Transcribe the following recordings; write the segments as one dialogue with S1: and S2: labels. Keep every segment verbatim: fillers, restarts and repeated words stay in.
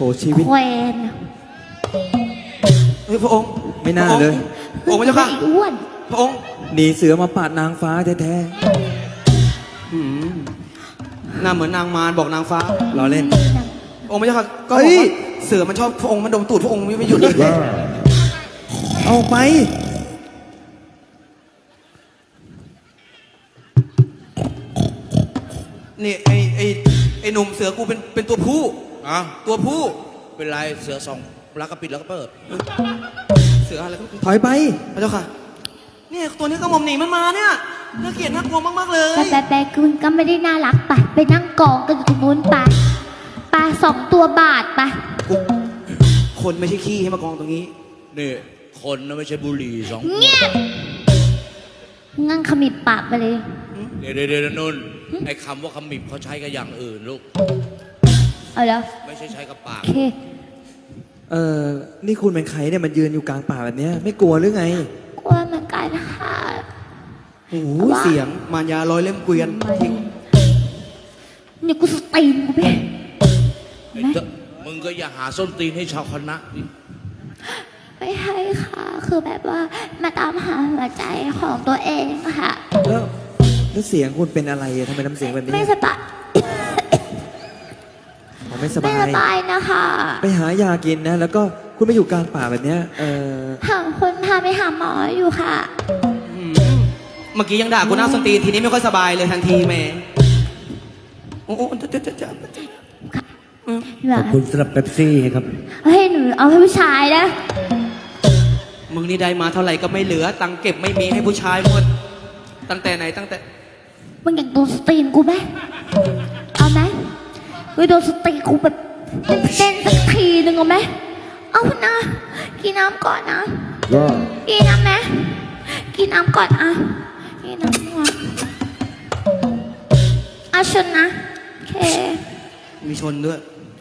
S1: ชีวิต
S2: แควน
S3: เฮ้ยพระองค์
S1: ไม่น่าเลย
S3: พระองค์พระเจ้าค่ะ
S2: ไอ้อ้วน
S3: พระองค์
S1: หนีเสือมาปาดนางฟ้าแท้
S3: หืมหน้าเหมือนนางมารบอกนางฟ้า
S1: ๆล้อเล่น
S3: พระองค์พระเจ้าค่ะก็บ
S1: เฮ้
S3: อก
S1: ย
S3: ว่าเสือมันชอบพระองค์มันดมตูดพระองค์ไม่หยุดเลย
S1: เอาไป
S3: นี่ไอไอไอหนุ่มเสือกูเป็นเป็นตัวผู้
S4: อ่ะ
S3: ตัวผู้
S4: เป็นไรเสือสองรักก็ปิดแล้วก็เปิด
S3: เสืออะไรก็
S1: ถอยไป
S3: พระเจ้าค่ะเนี่ยตัวนี้ก็หม่อมหนีมันมาเนี่ยน่าเกลียดน่ากลัวมากๆเลย
S2: แต่แต่แต่คุณก็ไม่ได้น่ารักไปไปนั่งกองกันอยู่ตรงนู้นไปปลาสองตัวบาทไป
S3: กูคนไม่ใช่ขี้ให้มากองตรงนี้
S4: นี่คนนะไม่ใช่บุหรี่สองขว
S2: เงีย
S4: ด
S2: บงั้งขมิบปากไปเลย
S4: เดี๋ยวเดี๋ยวเดี๋ยวนุ่นไอ้คำว่าขมิบเขาใช้กับอย่างอื่นลูก
S2: เอาแล้ว
S4: ไม่ใช่ใช้กับปาก
S2: โอเค
S1: เออนี่คุณเป็นใครเนี่ยมันยืนอยู่กลางป่าแบบเนี้ยไม่กลัวหรือไง
S2: กลัวเหมือนกันค่ะ
S3: โอ้โหเสียงมารยาร้อยเล่มเกวียนทิ้ง
S2: เนี่ยกูสตีนกูไป
S4: ไอ้เจ้ามึงก็อย่าหาส้นตีนให้ชาวคณะดิ
S2: ไม่ให้ค่ะ คือแบบว่ามาตามหาหัวใจของตัวเองค่ะ
S1: แล้วแล้วเสียงคุณเป็นอะไรอะทำไมน้ำเสียงแบบนี้
S2: ไม่สบาย
S1: ผมไม่ส
S2: ไม่
S1: บา
S2: ส
S1: ย
S2: บายนะคะ
S1: ไปหายากินนะ แล้วก็คุณไม่อยู่กลางป่าแบบเนี้ยเออ
S2: หาคนพาไปหาหมออยู่ค่ะ
S3: อืมเมื่อกี้ยังด่ากูหน้าสนตีนทีนี้ไม่ค่อยสบายเลยทันทีแหม่โอ้โหจะจะจะจะ
S2: ข
S5: ขอบคุณสำหรับเป๊ปซี่ครับ
S2: เฮ้ยหนูเอาให้ผู้ชายนะ
S3: มึงนี่ได้มาเท่าไหร่ก็ไม่เหลือ ตังค์เก็บไม่มีให้ผู้ชายหมดตั้งแต่ไหนตั้งแต่
S2: มึงอยากโดนสตีนกูไหมเอาไหมเฮ้ยโดนสตีนกูแบบเต้นๆสักทีหนึ่งเอาไหมเอานะกินน้ำก่อนนะกินน้ำไหมกินน้ำก่อนอ่ะกินน้ำก่อนอ่ะชนนะโอเค
S3: มีชนด้วย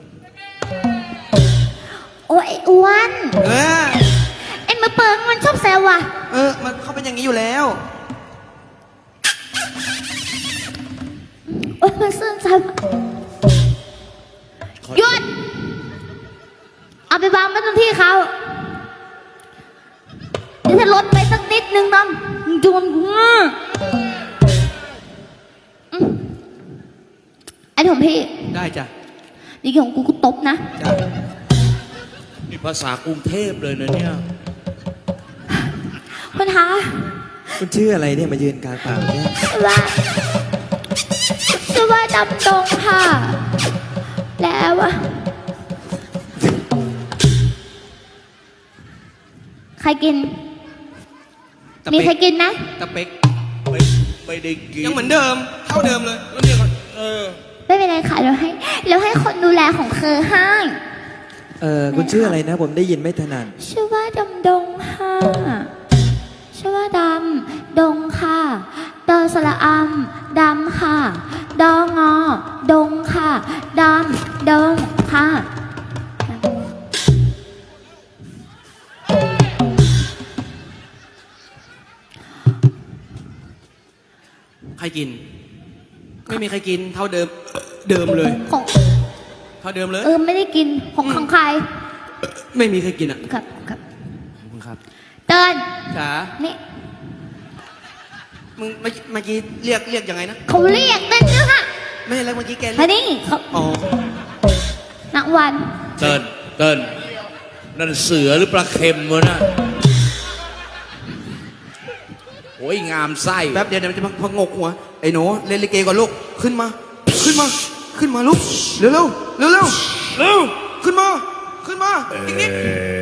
S2: โอ้ยไอ้อ้วน
S3: เออ
S2: ไอ้มือเปิงมันชอบแซวว่ะ
S3: เออมันเขาเป็นอย่างนี้อยู่แล้ว
S2: โอ้ยมันซื่นใจว่ะหยุดเอาไปวางไว้ตรงที่เขาเดี๋ยวถ้าลดไปสักนิดนึงน้องโดนกูอ่ะอืมไอ้ของพี่
S3: ได้จ้ะ
S2: นี่ของกูกูตบนะ
S3: จ้ะ
S4: นี่ภาษากรุงเทพเลยนะเนี่ย
S2: คุณคะ
S1: คุณชื่ออะไรเนี่ยมายืนกลางป่าแบบเนี้ย
S2: ว่าชื่อว่าดำดงค่ะ แล้วอะใครกิน
S3: ตะ
S2: มี
S3: เป๊ก
S2: ใครกินไหม
S3: ตะเป๊ก
S4: ไม่ไม่ได้กิน
S3: ยังเหมือนเดิม เท่าเดิมเลยแล้วเนี่ยก็เออ
S2: ไม่เป็นไรค่ะเราให้เราให้คนดูแลของเธอให้
S1: เออคุณชื่ออะไรนะ ผมได้ยินไม่ถนัด
S2: ชื่อว่าดำดงค่ะชื่อว่าดำดงค่ะดอสระอำดำค่ะดองอดงค่ะดำดงค่ะ
S3: ใครกิน ไม่มีใครกิน เท่าเดิม เดิมเลย
S2: ของ
S3: เท่าเดิมเลย
S2: เออไม่ได้กินของของใคร
S3: ไม่มีใครกินอ่ะ
S2: ครับครับ
S3: ขอบคุณครับ
S2: เตือน
S3: จ๋า
S2: นี่
S3: มึงเมื่อเมื่อกี้เรียกเรียกยังไงนะ
S2: เขาเรียกนั่นนะค่ะ
S3: ไม่ใช่แล้วเมื่อกี้แกเรี
S2: อั
S3: ย
S2: น
S3: ก
S2: นี้เขา
S3: อ๋อ
S2: นักวัน
S4: เติ้นเติ้นนั่นเสือหรือปลาเค็มวะน่ะโอ้ยงามไส้
S3: แป๊บเดียวเดี๋ยวมันจะพังงกหัว ไอ้หนูเล่นลิเกก่อนลูก ขึ้นมา ขึ้นมา ขึ้นมาลูก เร็วเร็วเร็วเร็วเร็วขึ้นมา ขึ้นมาอีกนิด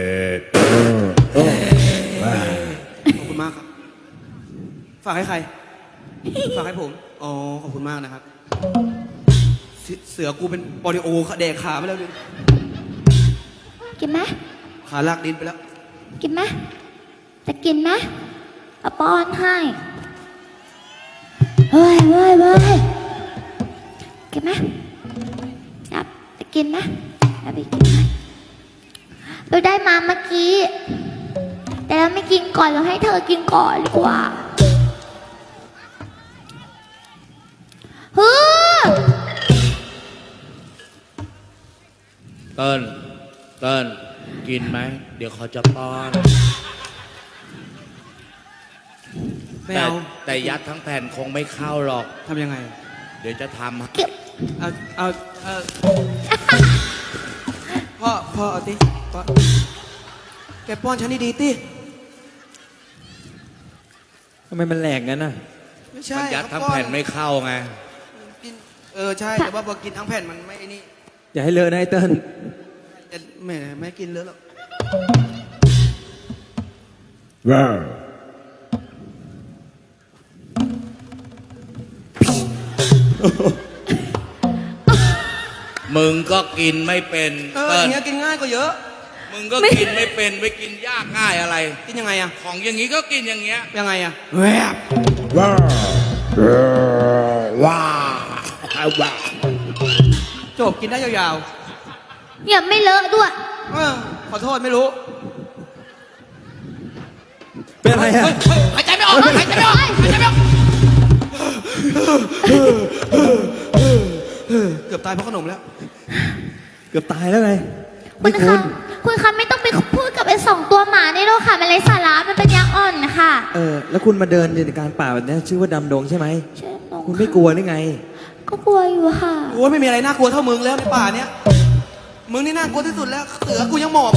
S3: ขอบคุณมากครับ ฝากให้ใคร ฝากให้ผม อ๋อ ขอบคุณมากนะครับ เสืเสือกูเป็นปอดิโอแดกขาไปแล้วดิ
S2: กินไหม
S3: ขาลากดินไปแล้ว
S2: กินไหมจะกินไหมเอาป้อนให้เฮ้ยเฮ้ยเฮ้ยกินไหมจับจะกินไหมจะไปกินไหมเราได้มาเมื่อกี้ แต่เราไม่กินก่อนเราให้เธอกินก่อนดีกว่าเฮ้ย
S4: เติ้นเติ้ลกินไหม เดี๋ยวเขาจะป้อน
S3: ไม่
S4: แต่
S3: เอา
S4: แต่ยัดทั้งแผ่นคงไม่เข้าหรอก
S3: ทำยังไง
S4: เดี๋ยวจะทำให้
S2: เก็บ
S3: เอาเอาเออพ่อพ่อเอาติพ่อแกป้อนฉันดีๆติ
S1: ทำไมมันแหลกงั้นน่ะ
S3: ไม่ใช่
S4: มันยัดทั้ง
S3: เขาป้อ
S4: แผ่นไม่เข้าไง
S3: กินเออใช่แต่ว่าพอกินทั้งแผ่นมันไม่ไอ้นี่
S1: อย่าให้เลอะนะไอ้เติ้ล
S3: แต่แม่ไม่กินเลอะหรอก
S5: ว้าว
S4: มึงก็กินไม่เป็น
S3: เอออ
S4: เติ้ล
S3: ย่างเงี้ยกินง่ายกว่าเยอะ
S4: มึงก็กินไม่เป็นไปกินยากง่ายอะไร
S3: กินยังไงอะ
S4: ของอย่างนี้ก็กินอย่างเงี้ย
S3: ยังไงอะแวบ
S5: ว้าวว้าวว้าว
S3: จบกินได้ยาว
S2: อย่าไม่เลอะด้วย
S3: ๆเออขอโทษไม่รู้
S1: เป็นอะไรอ่ะ
S3: หายใจไม่ออกหายใจไม่ออกหายใจไม่ออกเกือบตายเพราะขนมแล้ว
S1: เกือบตายแล้วไง
S2: คุ
S1: นี่
S2: ณ
S1: คุ
S2: คะ
S1: ณ
S2: คุณคะไม่ต้องไปพูดกับไอ้สองตัวหมานี่หรอกค่ะมันไร้สาระมันเป็นยาอ่อนนะคะ
S1: เออ แล้วคุณมาเดินอยู่ในกลางป่าแบบเนี้ยชื่อว่าดำดงใช่ไหม
S2: ใช่น้อง
S1: คุณไม่กลัวหรือไง
S2: ก็กลัวอยู่ค่ะ
S3: โอ้ยไม่มีอะไรน่ากลัวเท่ามึงแล้วในป่าเนี้ย มึงนี่น่ากลัวที่สุดแล้ว เสือกูยังหมอบ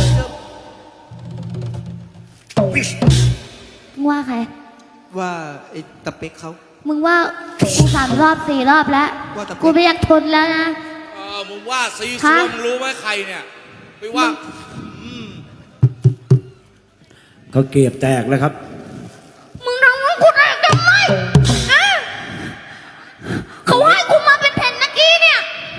S2: มึงว่าใคร
S3: ว่าไอ้ตะเป็กเขา
S2: มึงว่ากูสามรอบสี่รอบแล้ว
S3: ว่าแต่
S2: กูไม่อยากทนแล้วนะ
S4: เออมึงว่าซี
S2: ฮะ
S4: ซัวมึงรู้ไหมใครเนี่ยไปว่า
S5: เขาเก็บแตกแล้วครับ
S2: มึงทำให้กูได้ทำไมอะเขาให้กูมาเป็นแผ่นเมื่อกี้เนี่ย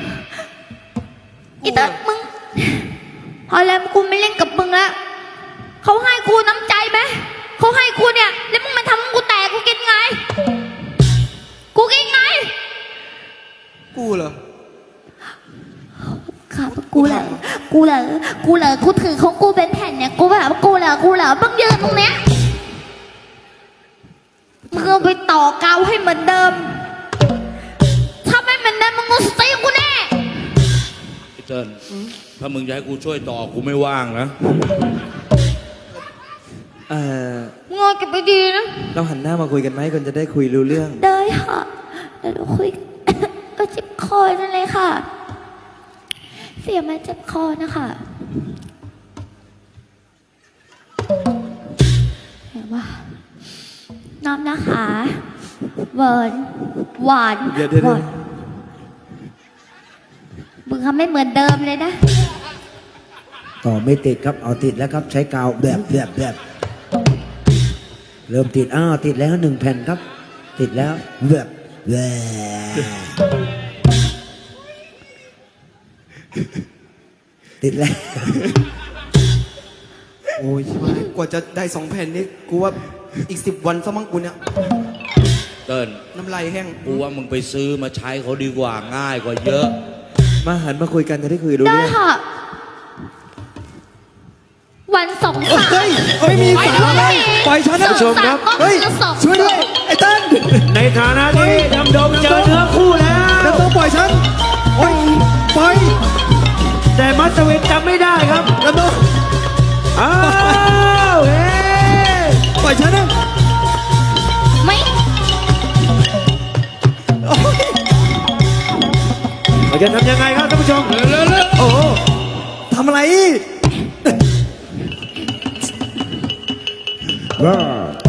S2: อีเตอร์มึงพอแล้วกูไม่เล่นกับมึงแล้วเขาให้กูน้ำใจไหมเขาให้กูเนี่ยแล้วมึงมาทำให้กูแตกกูกินไง กูกินไง
S3: กูเหรอ
S2: ครับกูเหรอกูเหรอกูเหรอกูถือของกูเป็นแผ่นเนี่ยกูแบบกูเหรอกูเหรอมึงยืนตรงเนี้ยมึงเอาไปต่อกาวให้เหมือนเดิมถ้าไม่เหมือนเดิมมึงกูสตีกูแน่
S4: ไอ้เติ้ลถ้ามึงจะให้กูช่วยต่อกูไม่ว่างนะ
S1: เออ
S2: มึงเอาเก็บไปดีนะ
S1: เราหันหน้ามาคุยกันไหมคนจะได้คุยรู้เรื่อง
S2: ได้ค่ะเดี๋ยวเราคุย ก็เจ็บคอนั่นเลยค่ะ เสียงมันเจ็บคอนะคะเห็นว่าน้ำนะคะเวิร์นหวาน
S1: เดี๋ยวเดี๋ยว
S2: หวานมึงทำไม่เหมือนเดิมเลยนะ
S5: ต่อไม่ติดครับ เอาติดแล้วครับ ใช้กาวแบบแบบแบบเริ่มติด อ้าว ติดแล้วหนึ่งแผ่นครับ ติดแล้วแบบแบบติดแล้ว
S3: โอ้ยไม่กว่าจะได้สองแผ่นนี่กูว่าอีกสิบวันซะมั้งกูเนี่ย
S4: เติ้ล
S3: น้ำลายแห้ง
S4: กูว่ามึงไปซื้อมาใช้เขาดีกว่าง่ายกว่าเยอะ
S1: มาหันมาคุยกันจะได้คุยรู้
S2: ได้
S1: เรื่อง
S2: ค่ะ วันสองสาม
S1: เฮ้ยไม่มีสาระปล่อยฉันนะ
S2: สองสามก็
S1: เฮ้ย
S2: คือสอง
S1: ช่วยด้วย ไอ้เติ้ล
S5: ในฐานะที่ดำดงเจอเนื้อคู่แล้ว
S1: ดำดงปล่อยฉันโอ้ยปล่อย
S5: แต่มัสวินจำไม่ได้ครับ
S1: ดำดง
S5: อ้าวเฮ้
S1: ปล่อยฉันนะ
S2: ไม่
S1: โอ้ย
S5: เราจะทำยังไงครับท่านผู้ชม
S1: โอ้โหทำอะไรอีก
S5: ว้าว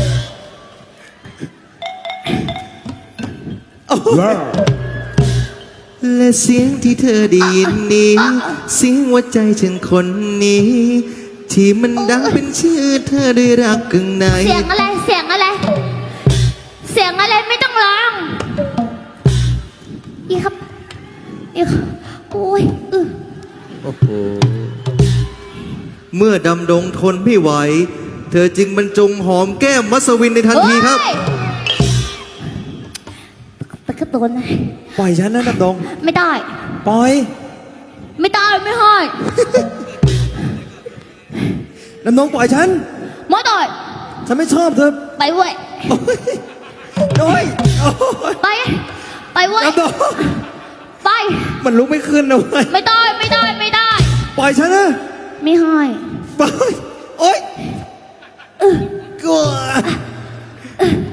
S5: ว้าว
S6: และเสียงที่เธอได้ยินนี้ เสียงหัวใจฉันคนนี้ ที่มันดังเป็นชื่อเธอด้วยรักกึ่งใน
S2: เสียงอะไร เสียงอะไร เสียงอะไรไม่ต้องร้องอีครับอีครับโอ้ยอือ
S6: โอ้โหเมื่อดำดงทนไม่ไหว เธอจึงบรรจงหอมแก้มมัสวินในทันทีครับ
S2: เฮ้ยตะกระตุนนะ
S1: ปล่อยฉันนะดำดง
S2: ไม่ได้
S1: ปล่อย
S2: ไม่ได้ไม่ให้
S1: ดำดงปล่อยฉัน
S2: ไม่ได้
S1: ฉันไม่ชอบเธอ
S2: ไปเว้ย
S1: โอ้ยโอ้ย
S2: ไป ไปเว้ย
S1: ดำดง
S2: ไป
S1: มันลุกไม่ขึ้นนะเว้ย
S2: ไม่ได้ไม่ได้ไม่ได้
S1: ปล่อยฉันนะ
S2: ไไม่ให้
S6: ไปโอ๊ยกลัว